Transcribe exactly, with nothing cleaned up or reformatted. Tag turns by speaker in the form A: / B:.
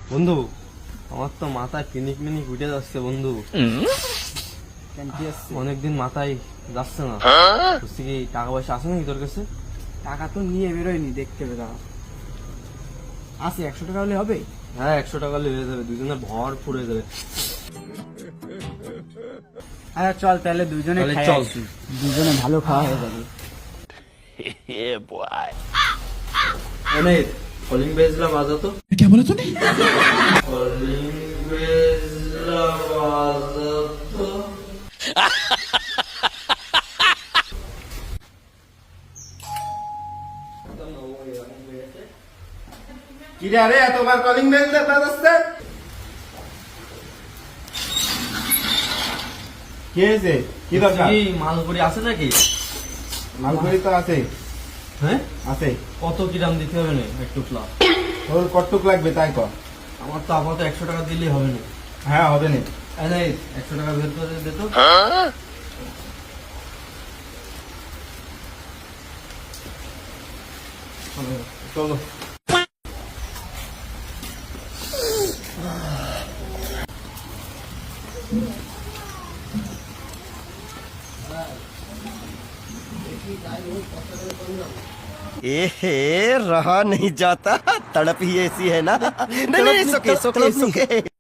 A: বন্ধু আমার তো মাথায় পিনিক মিনিক উঠে যাচ্ছে বন্ধু। অনেকদিন মাথায় যাচ্ছে না। বুঝছি কি টাকা পয়সা আছে নাকি তোর কাছে?
B: টাকা তো নিয়ে বেরোয়নি, দেখতে বেরো আছে। একশো টাকা হলে হবে?
A: হ্যাঁ একশো টাকা হলে হয়ে যাবে, দুজনে ভর পুড়ে যাবে।
B: আচ্ছা চল তাহলে দুজনে
A: তাহলে
B: খাই
A: চল।
B: আসি। দুজনে ভালো খাওয়া হয়ে যাবে।
A: অনেক কলিং বেজলা বাজাতো।
C: क्या बोला तूने?
A: কলিং বেজলা বাজাতো।
B: কি রে, আরে তোমার কলিং বেল বাজাচ্ছে? কি হয়েছে? কি দরকার?
A: কি মালপুরি আছে নাকি?
B: মালপুরি তো আছে।
A: হ্যাঁ
B: আছে।
A: কত কিরাম দিতে হবে না একটু প্লা?
B: তোর কতটুক লাগবে তাই কর।
A: আমার তো আপাতত একশো টাকা দিলেই হবে না।
B: হ্যাঁ হবে না।
A: একশো টাকা বের করে দে তো।
B: চলো।
C: ए रहा नहीं जाता, तड़प ही ऐसी है ना। नहीं नहीं, सुके सुके सुके